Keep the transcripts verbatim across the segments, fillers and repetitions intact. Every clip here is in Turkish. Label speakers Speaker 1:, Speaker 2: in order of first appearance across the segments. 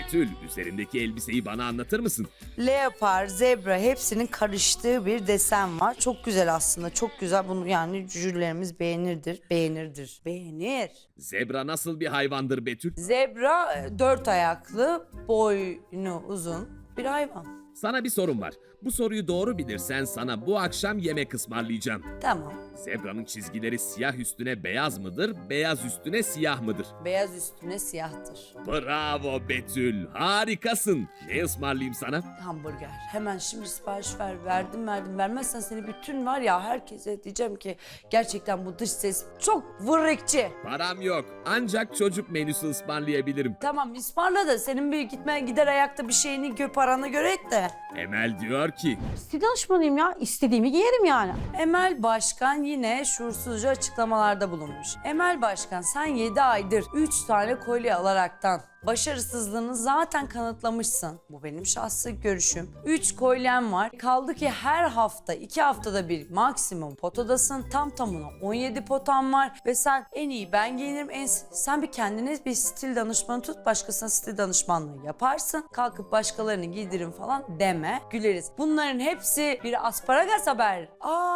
Speaker 1: Betül, üzerindeki elbiseyi bana anlatır mısın?
Speaker 2: Leopar, zebra hepsinin karıştığı bir desen var. Çok güzel aslında. Çok güzel. Bunu yani jürilerimiz beğenirdir. Beğenirdir. Beğenir.
Speaker 1: Zebra nasıl bir hayvandır Betül?
Speaker 2: Zebra e, dört ayaklı, boynu uzun bir hayvan.
Speaker 1: Sana bir sorum var. Bu soruyu doğru bilirsen sana bu akşam yemek ısmarlayacağım.
Speaker 2: Tamam.
Speaker 1: Zebranın çizgileri siyah üstüne beyaz mıdır, beyaz üstüne siyah mıdır?
Speaker 2: Beyaz üstüne siyahtır.
Speaker 1: Bravo Betül, harikasın. Ne ısmarlayayım sana?
Speaker 2: Hamburger. Hemen şimdi sipariş ver. Verdim verdim. Vermezsen seni bütün var ya herkese diyeceğim ki gerçekten bu dış ses çok vırrıkçı.
Speaker 1: Param yok, ancak çocuk menüsü ısmarlayabilirim.
Speaker 2: Tamam ısmarla da senin bir gitme gider ayakta bir şeyini gö paranı görek de.
Speaker 1: Emel diyor ki,
Speaker 3: Stil danışmanıyım ya. İstediğimi giyerim yani.
Speaker 2: Emel Başkan yine şuursuzca açıklamalarda bulunmuş. Emel Başkan sen yedi aydır üç tane kolye alaraktan başarısızlığını zaten kanıtlamışsın. Bu benim şahsi görüşüm. üç kolyem var. Kaldı ki her hafta iki haftada bir maksimum potadasın. Tam tamına on yedi potan var ve sen en iyi ben giyinirim. En, sen bir kendine bir stil danışmanı tut. Başkasına stil danışmanlığı yaparsın. Kalkıp başkalarını giydirin falan deme. Güleriz. Bunların hepsi bir asparagas haber.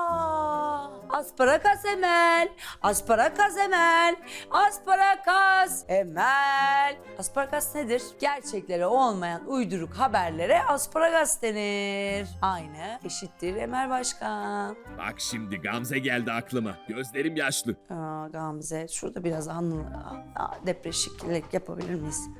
Speaker 2: Aa, asparagas Emel. Asparagas Emel. Asparagas Emel. Asparagas nedir? Gerçeklere olmayan uyduruk haberlere asparagas denir. Aynı eşittir Emel Başkan.
Speaker 1: bak şimdi Gamze geldi aklıma. Gözlerim yaşlı.
Speaker 2: Aa, Gamze şurada biraz anlı, depreşiklik yapabilir miyiz?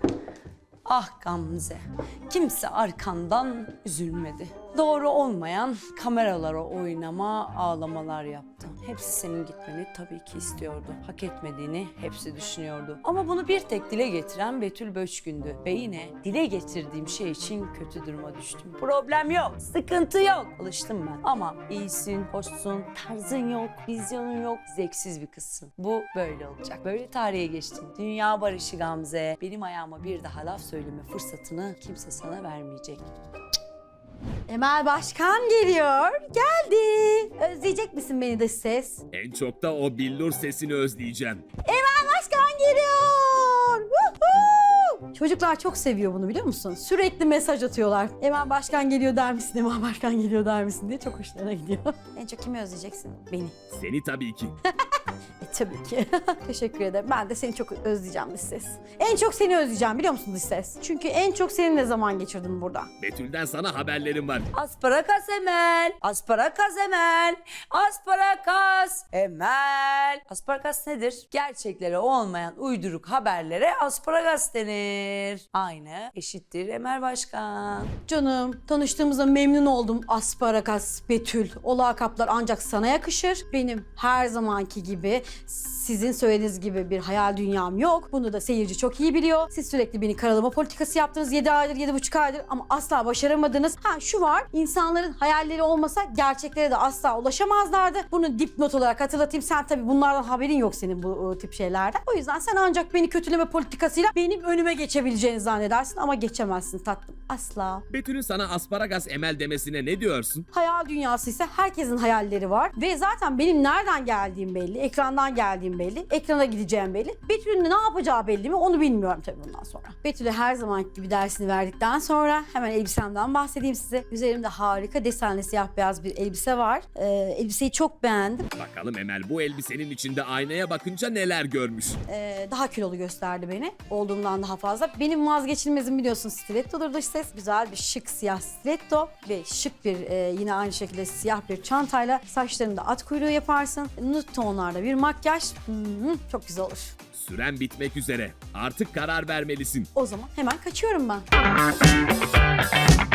Speaker 2: Ah Gamze, kimse arkandan üzülmedi. Doğru olmayan kameralara oynama, ağlamalar yaptı. Hepsi senin gitmeni tabii ki istiyordu. Hak etmediğini hepsi düşünüyordu. Ama bunu bir tek dile getiren Betül Böçkün'dü. Ve yine dile getirdiğim şey için kötü duruma düştüm. Problem yok, sıkıntı yok. Alıştım ben. Ama iyisin, hoşsun, tarzın yok, vizyonun yok, zevksiz bir kızsın. Bu böyle olacak. Böyle tarihe geçtin. Dünya barışı Gamze. Benim ayağıma bir daha laf söyleme fırsatını kimse sana vermeyecek.
Speaker 3: Emel Başkan geliyor. Geldi. Özleyecek misin beni dış ses?
Speaker 1: En çok da o billur sesini özleyeceğim.
Speaker 3: Emel Başkan geliyor. Woohoo! Çocuklar çok seviyor bunu biliyor musun? Sürekli mesaj atıyorlar. Emel Başkan geliyor der misin? Emel Başkan geliyor der misin diye çok hoşlarına gidiyor. En çok kimi özleyeceksin? Beni.
Speaker 1: Seni tabii ki.
Speaker 3: E, tabii ki. Teşekkür ederim. Ben de seni çok özleyeceğim dış ses. En çok seni özleyeceğim biliyor musun dış ses? Çünkü en çok seninle zaman geçirdim burada.
Speaker 1: Betül'den sana haberlerim var.
Speaker 2: Asparagas Emel. Asparagas Emel. Asparagas Emel. Asparagas nedir? Gerçeklere olmayan uyduruk haberlere asparagas denir. Aynı eşittir Emel Başkan.
Speaker 3: Canım, tanıştığımıza memnun oldum Asparagas, Betül. O lakaplar ancak sana yakışır. Benim her zamanki gibi, sizin söylediğiniz gibi bir hayal dünyam yok. Bunu da seyirci çok iyi biliyor. Siz sürekli beni karalama politikası yaptınız yedi aydır, yedi buçuk aydır ama asla başaramadınız. Ha şu var, insanların hayalleri olmasa gerçeklere de asla ulaşamazlardı. Bunu dipnot olarak hatırlatayım. Sen tabii bunlardan haberin yok senin bu o tip şeylerden. O yüzden sen ancak beni kötüleme politikasıyla benim önüme geçebileceğini zannedersin ama geçemezsin tatlım. Asla.
Speaker 1: Betül'ün sana asparagas Emel demesine ne diyorsun?
Speaker 3: Hayal dünyası ise herkesin hayalleri var ve zaten benim nereden geldiğim belli, ekrandan geldiğim belli, ekrana gideceğim belli. Betül'ün ne yapacağı belli mi onu bilmiyorum tabii bundan sonra. Betül'e her zamanki gibi dersini verdikten sonra hemen elbisemden bahsedeyim size. Üzerimde harika desenli siyah beyaz bir elbise var. Ee, elbiseyi çok beğendim.
Speaker 1: Bakalım Emel bu elbisenin içinde aynaya bakınca neler görmüş?
Speaker 3: Ee, daha kilolu gösterdi beni. Olduğumdan daha fazla. Benim vazgeçilmezim biliyorsun stilettodur dış ses. Güzel bir şık siyah stiletto ve şık bir e, yine aynı şekilde siyah bir çantayla saçlarını da at kuyruğu yaparsın. Nude tonlarda bir makyaj. Hmm, çok güzel olur.
Speaker 1: Süren bitmek üzere. Artık karar vermelisin.
Speaker 3: O zaman hemen kaçıyorum ben.